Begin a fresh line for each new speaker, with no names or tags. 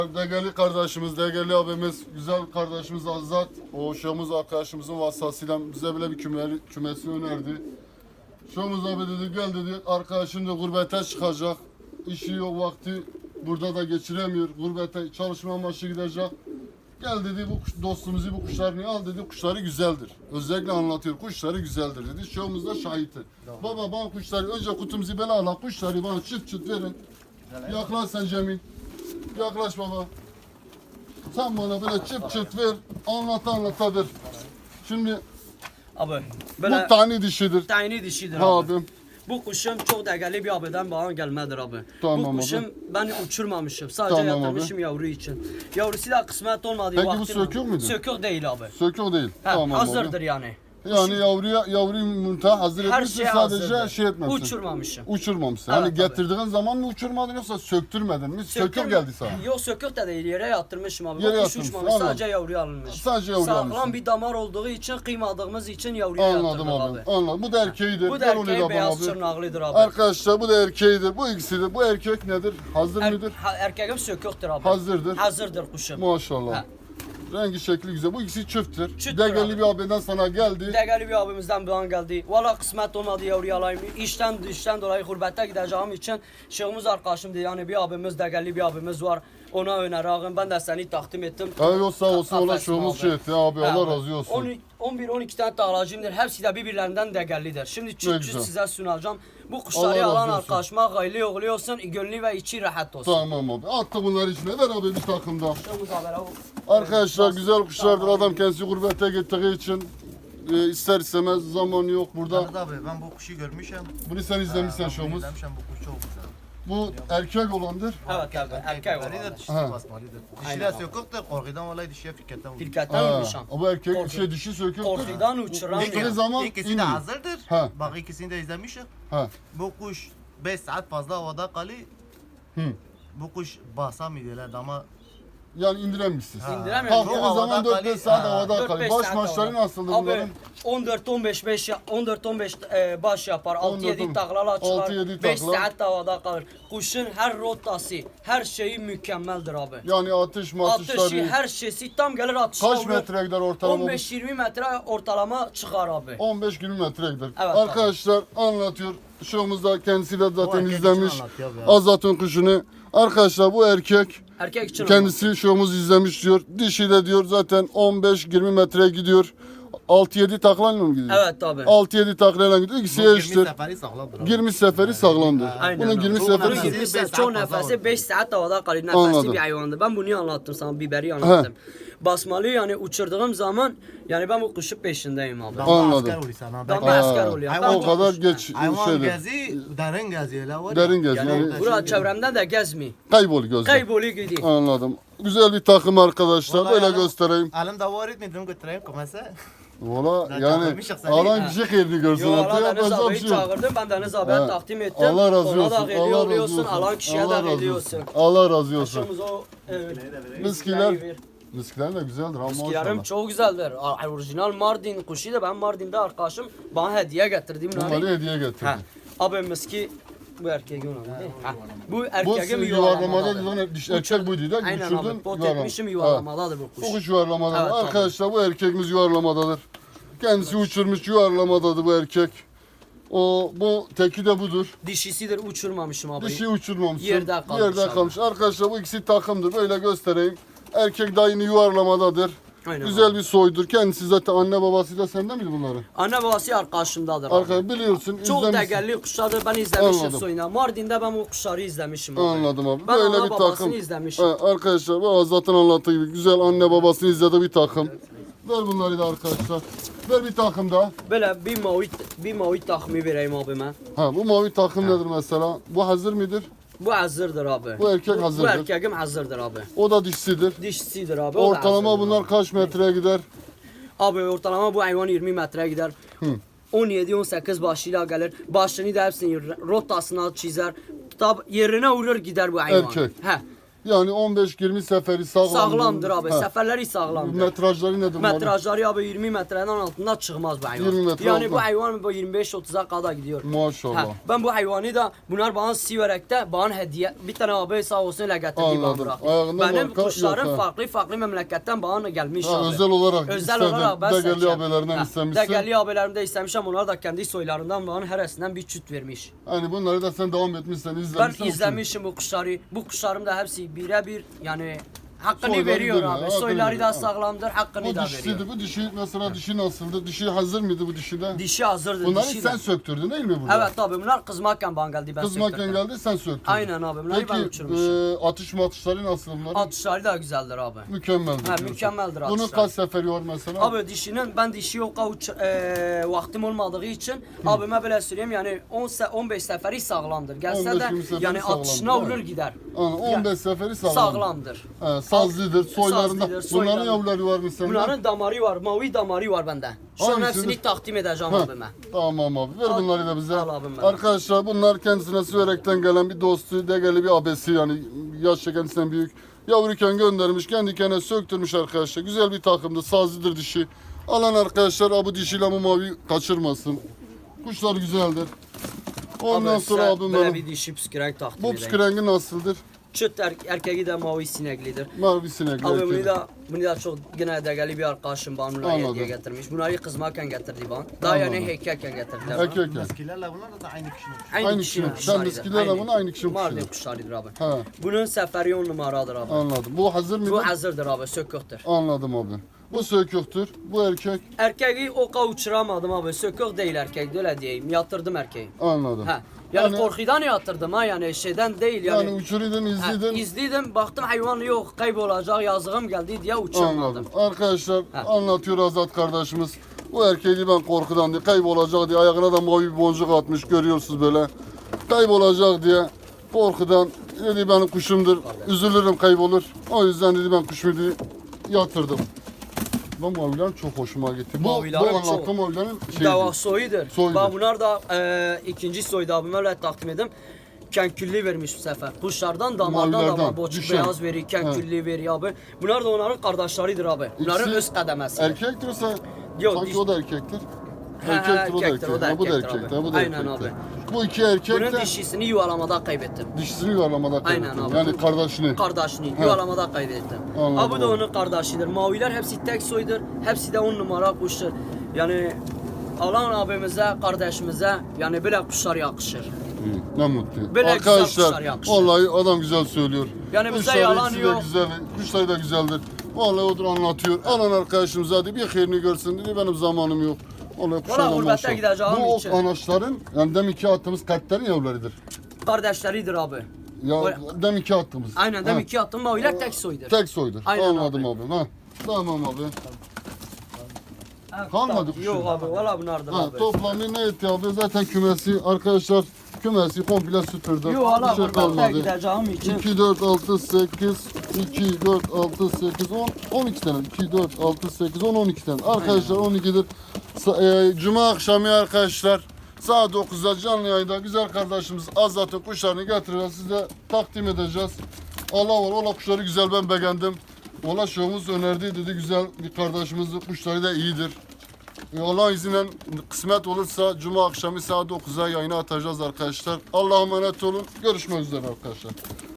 Değerli kardeşimiz, değerli abimiz, güzel kardeşimiz Azat, o şahımız arkadaşımızın vasıtasıyla bize bile bir kümesi önerdi. Şahımız abi dedi, gel dedi, arkadaşım da gurbete çıkacak, işi yok, vakti burada da geçiremiyor, gurbete çalışma amaçlı gidecek. Gel dedi, bu dostumuzu, bu kuşlarını al dedi, kuşları güzeldir. Özellikle anlatıyor, kuşları güzeldir dedi. Şahımız da şahittir. Baba bana kuşları, önce kutumuzu böyle al, kuşları bana çıt çıt verin. Yaklaş sen Cemil. Yaklaş baba. Sen bana böyle çıt çıt ver. Anlata ver. Şimdi
Abi böyle
bu tane dişidir.
tane dişidir
Ha
abi.
abim.
Bu kuşum çok değerli bir abiden bana gelmedir abi.
Tamam
Bu kuşum
abi.
ben uçurmamışım. Sadece
Tamam
yatırmışım yavru için. Yavrusu da kısmet olmadı.
Peki bu sökük müydü?
Sökük değil abi.
Sökük değil.
Ha,
Tamam
hazırdır
abi.
yani.
Yani yavruyu yumurta hazır
Her
etmişsin,
şey
sadece
hazırdır.
şey etmemişsin.
Uçurmamışım.
Uçurmamışsın.
Evet,
Hani
tabii.
getirdiğin zaman mı uçurmadın yoksa söktürmedin mi? Sökük geldi sana.
Yok sökük de değil, yere yatırmışım abi.
Yere
Yere kuş
yatırmışsın,
uçmamış,
anladım.
sadece yavruyu alınmış.
Sadece yavru almışsın.
Sağlam bir damar olduğu için, kıymadığımız için yavruya
Anladım
yatırdık
abi. Anladım. Bu da erkeğidir.
Bu da
Gel onu da
erkeği
bana
beyaz
abi.
çırnaklıdır abi.
Arkadaşlar bu da erkeğidir. Bu ikisidir. Bu erkek nedir? Hazır mıdır?
Erkeğim söküktür abi.
Hazırdır.
Hazırdır kuşum.
Maşallah.
Ha.
Rengi şekli güzel. Bu ikisi çifttir.
Çifttir
Değerli
abi.
bir abiden sana geldi.
Değerli bir abimizden bir an geldi. Valla kısmet olmadı yavruyu alayım. İşten dolayı gurbette gideceğim için şeyimiz arkadaşım diye yani bir abimiz değerli bir abimiz var. Ona önerağım. Ben de seni takdim ettim.
Evet sağ olsun. Ola
Kafesine
şovumuz
abi.
şey etti abi. Allah razı olsun.
11-12 tane tağlacımdır. Hepsi de birbirlerinden değerlidir. Şimdi
güzel.
çift size sunacağım. Bu
Allah
kuşları
razı
alan
olsun.
arkadaşıma gayli oğlu olsun, gönlü ve içi rahat olsun.
Tamam abi. Attık bunları içine. Ver abi bir takımda.
Şeyimiz haber abi.
Arkadaşlar güzel kuşlardır. Adam kendisi gurbete gittiği için ister istemez zaman yok burada.
Ahmet abi ben bu kuşu görmüşüm.
Bunu sen izlemişsen
Ben
şovumuz.
izlemişim, bu kuş çok güzel.
Bu erkek olandır.
Evet abi, erkek var.
Erkek dişisi
Ha.
basmalıdır.
Aynen
Dişiler
abi.
sökük de korkudan vallahi dişiye firketten vurdu.
Firketten
Ha,
uçan.
bu erkek
Korku.
şey dişi söküktür.
Korkudan uçuran
Uçtuğu
ya.
zaman
İkisi de
iniyor.
hazırdır.
Ha.
Bak ikisini de izlemişim.
Ha.
Bu kuş 5 saat fazla havada kalıyor.
Hı.
Bu kuş basamıyorlar ama
Yani indiremişsiniz.
İndiremiyorum.
Kalktığınız
Çok
zaman
havada
4-5
kalıyor.
saat
Ha.
havada
4-5
kalıyor. Baş
saat
maçları
havada.
nasıldı
Abi,
bunların?
14-15 baş yapar. 6-7
14,
taklala çıkar.
6-7
5
takla.
saat havada kalır. Kuşun her rotası, her şeyi mükemmeldir abi.
Yani atış
Atışı,
matışları.
her şeysi tam gelir atışa
Kaç
vurur.
metre gider ortalama?
15-20 metre ortalama çıkar abi.
15-20 metre gider.
Evet,
Arkadaşlar anlatıyor. Şovumuzda kendisi de zaten
erkek
izlemiş.
için anlatıyor ya.
Azat'ın kuşunu. Arkadaşlar bu erkek
Erkek için
kendisi şovumuzu izlemiş diyor. Dişi de diyor zaten 15-20 metre gidiyor. 6-7 taklayla mı gidiyor?
Evet abi.
6-7 taklayla gidiyor. İkisi
bu 20
eşittir.
seferi sağlamdır. abi.
20 seferi sağlamdır.
Aynen
Bunun
abi.
20
Çok
seferi
önemli.
20
beş
saat
saat
çok
fazla
nefesi
oldu.
5 saat havada kalıyor. Nefesli
Anladım.
bir hayvandı. Ben bunu anlattım sana, biberi anlattım. Basmalı yani uçurduğum zaman yani ben bu kuşun peşindeyim abi.
Damla
Anladım.
asker oluyor sana.
Damla
Ben-
asker oluyor.
Hayvan
Ben
O kadar
kuş-
geç
Hayvan
şeydir.
gezi, derin geziyorlar var ya.
Derin gezi.
Yani
Yani
bura çevremde de gezmiyor.
kaybol gözler.
Kayboluyor gidiyor.
Anladım. Güzel bir takım arkadaşlar.
Vallahi
Böyle
adam-
göstereyim.
Elimde var etmedim götüreyim kumasa.
Valla
Zaten
yani
görmüşsün sen.
alan kişi hayırlı görsün.
Yo
Artık
Allah Deniz
yapacak bir
abiyi
şey yok.
çağırdım. Ben Deniz abiye
Ha.
takdim ettim.
Allah razı
Ona
olsun.
da hediye
Allah razı
oluyorsun.
olsun.
Alan kişiye
Allah
de
razı
hediye
olsun.
olsun.
Allah razı olsun.
Aşımız o
Miskiler. Miskiler de güzeldir ama
Miskilerim
maşallah.
çok güzeldir. Orijinal Mardin kuşu da ben Mardin'de arkadaşım bana hediye getirdi.
Bunları hediye getirdim.
Ha. Abi miski bu erkeğin onu. Ha. Bu
Bu
erkeğim
yuvarlamada
yuvarlamadadır.
diş erkek buydu da
Aynen
düşürdün.
abi. Pot
yuvarlama.
etmişim
Ha.
yuvarlamadadır bu kuş.
Bu kuş yuvarlamadadır.
Evet, tabii.
Arkadaşlar bu erkekimiz yuvarlamadadır. Kendisi uçurmuş yuvarlamadadır bu erkek. Bu teki de budur.
Dişisidir uçurmamışım abi.
Dişi uçurmamışsın.
Yerde kalmış
Yerde
abi.
kalmış. Arkadaşlar bu ikisi takımdır. Böyle göstereyim. Erkek de aynı yuvarlamadadır.
Aynen
Güzel
abi.
bir soydur. Kendisi zaten anne babası da sende miydi bunların?
Anne babası arkadaşımdadır abi.
Arkadaşlar biliyorsun
Çok
izlemişsin.
değerli kuşlardır. Ben izlemişim
Anladım.
soyuna. Mardin'de ben bu kuşları izlemişim abi.
Anladım abi.
Ben
Böyle
ana
bir
babasını
takım.
izlemişim.
Ha, arkadaşlar bu Azat'ın anlattığı gibi güzel anne babasını izlediği bir takım. Ver bunları da arkadaşlar. Ver bir takım daha.
Böyle bir mavi takımı vereyim abime.
Ha bu mavi takım nedir mesela? Bu hazır mıdır?
Bu hazırdır abi.
Bu erkek
Bu
hazırdır.
erkeğim hazırdır abi.
O da dişsidir.
Dişisidir abi. o da
Ortalama
hazırdır
bunlar
abi.
kaç metreye gider?
Abi ortalama bu hayvan 20 metre gider. 17-18 başıyla gelir. Başını da hepsini rotasına çizer. Yerine vurur gider bu hayvan.
Erkek.
He.
Yani 15-20 seferi sağlam.
Sağlamdır abi.
He.
Seferleri sağlamdır.
Metrajları nedir? bunların?
Metrajları abi 20 metreden altında çıkmaz bu hayvan.
20 metre
yani
altında.
bu hayvan bu 25-30'a kadar gidiyor.
Maşallah.
Ha, ben bu hayvanı da bunlar bana Siverek'te bana hediye bir tane abi sağ olsun öyle getirdi bana
Anladım.
bıraktı.
Ayağında
Benim
marka
kuşlarım
yok, ha.
farklı memleketten bana gelmiş
Ha,
abi.
özel olarak
Özel
istedin.
olarak ben
Degeli
seçeceğim.
abilerinden
Ha,
istemişsin.
Degeli abilerimde istemişim. Onlar da kendi soylarından bana heresinden bir çüt vermiş.
Hani bunları da sen devam etmişsen,
Ben
izlemişsen.
izlemişim bu kuşları. Bu kuşlarım da hepsi birebir yani hakkını
Soyları
veriyor
değil mi?
abi.
Hakkını
Soyları
veriyor.
da
Ha.
sağlamdır, hakkını
Bu
da veriyor.
dişisiydi. Bu dişi mesela dişi nasıldı? Dişi hazır mıydı bu dişide?
Dişi hazırdır.
Bunları
dişi
sen
de.
söktürdün değil mi burada?
Evet abi bunlar kızmakken bana geldi. Ben
Kızmakken
söktürdüm.
geldi sen söktürdün.
Aynen abi bunları ben
Peki
uçurmuşum.
atış matışları nasıl bunların?
Atışları da güzeldir abi.
Mükemmeldir.
Ha,
diyorsun.
mükemmeldir
Bunun
atışları.
kaç seferi var mesela?
Abi dişinin ben dişi yok vaktim olmadığı için abime böyle söyleyeyim yani 15 seferi sağlamdır. Gelse
15-20
de
seferi
yani
sağlamdır,
atışına
değil mi?
olur gider.
Yani 15 seferi sağlam.
Sağlamdır.
He, sazlıdır, soylarında.
Sazlıdır,
Bunların
soylarında.
yavruları var mı sende?
Bunların damarı var, mavi damarı var bende. Şu an
Hangisidir?
hepsini takdim edeceğim
Ha,
abime.
Tamam abi. Ver
Al-
bunları da bize.
al abim ben.
Arkadaşlar bunlar kendisine Süverek'ten gelen bir dostu, degeli bir abesi yani yaşça kendisinden büyük. Yavruyken göndermiş, kendi kendine söktürmüş arkadaşlar. Güzel bir takımdı, sazlıdır dişi. Alan arkadaşlar bu dişiyle bu mavi kaçırmasın. Kuşlar güzeldir. Ondan
Abi
sonra
sen
abim
böyle
benim.
bir dişi püskürek takdim
Bu
edeyim.
püskürengi nasıldır?
Çıt erkeği de mavi sineklidir.
Mavi sinekli
Abi
erkeği.
bunu da çok yine degeli bir arkadaşım bana bunları
Anladım.
hediye getirmiş. Bunları kızmakken getirdi bana. Daha yani
Anladım.
heykelken getirdiler.
Erkek.
Miskilerle bunlar da aynı kişinin.
Aynı kişinin. Sen
kuşlarıydı.
miskilerle bunu aynı kişinin
Mardin
kuşudur.
kuşlarıdır abi.
Ha,
Bunun seferi 10 numaradır abi.
anladım. Bu hazır mıydı?
Bu hazırdır abi, söküktür.
Anladım abi. Bu söküktür. Bu erkek.
Erkeği oka uçuramadım abi. Sökük değil erkek, öyle diyeyim. Yatırdım erkeği.
Anladım.
Ha. Yani korkudan yatırdım ha yani şeyden değil yani.
Yani uçuruydun,
Ha,
izledin.
izledim baktım hayvan yok kaybolacak yazığım geldi diye uçurmadım.
Anladım. Arkadaşlar
Ha.
anlatıyor Azat kardeşimiz. Bu erkeği ben korkudan diye kaybolacak diye ayağına da mavi bir boncuk atmış görüyorsunuz böyle. Kaybolacak diye korkudan dedi benim kuşumdur. Üzülürüm kaybolur. O yüzden dedi ben kuşumu dedi, yatırdım. Bu maviler çok hoşuma gitti. Bu
Mavilerin
anlattığım
çok-
mavilerin
Dava soyudur.
Soyudur.
Bak bunlar da ikinci soydu abime öyle takdim edim. Kenkülli vermiş bu sefer. Kuşlardan damardan da
Mavilerden,
var. Boçuk
düşen.
beyaz verir, kenkülli verir abi. Bunlar da onların kardeşleridir abi. Bunların
İkisi
öz kademesi.
Erkektir o sen.
Yok,
Sanki
diş-
o da erkektir.
He,
Erkektir, o da
erkektir,
erkek.
o da
Ha, bu da
erkektir
erkektir.
abi.
Bu da
Aynen
erkektir.
abi.
Bu iki erkek
Bunun
de
dişisini yuvalamada kaybettim.
dişisini yuvarlamada
Aynen
kaybettim.
abi.
Yani kardeşini.
Kardeşini yuvalamada kaybettim.
Anladım
Ha bu da
abi.
onun kardeşidir. Maviler hepsi tek soydur. Hepsi de 10 numara kuştur. Yani alan abimize, kardeşimize yani böyle kuşlar yakışır.
İyi, ne mutlu.
Böyle güzel kuşlar
Arkadaşlar
yakışır.
vallahi adam güzel söylüyor.
Yani bize
Kuşları
yalan
ikisi de
yok.
güzel, kuşları da güzeldir. Vallahi odur anlatıyor. Alan arkadaşımız hadi bir hayrini görsün dedi benim zamanım yok. Vallahi kuşlar da
gurbete
maşallah.
gideceğim
Bu
için.
ok anaçların yani deminki attığımız kalplerin yavrularıdır.
Kardeşleridir abi.
Ya
O-
deminki attığımız.
Aynen
Ha,
demek ki attım maviler tek soydur.
Tek soydur.
Aynen
Anladım abi. Ha. Tamam abi. kalmadı kuşun.
Yok abi valla bunlardır
Ha,
abi.
toplamı ne etti abi? Zaten kümesi arkadaşlar kümesi komple süpürdü.
Yok valla
Bir şey
gurbete
kalmadı.
gideceğim için.
2, 4, 6, 8, 2, 4, 6, 8, 10, 12 tane. 2, 4, 6, 8, 10, 12 tane. Arkadaşlar 12'dir. Cuma akşamı arkadaşlar saat 9'da canlı yayında güzel kardeşimiz Azat'ın kuşlarını getireceğiz. Size takdim edeceğiz. Allah var, ola kuşları güzel ben beğendim. Ola şovumuz önerdi dedi güzel bir kardeşimizin kuşları da iyidir. Allah izniyle kısmet olursa Cuma akşamı saat 9'a yayına atacağız arkadaşlar. Allah'a emanet olun. Görüşmek üzere arkadaşlar.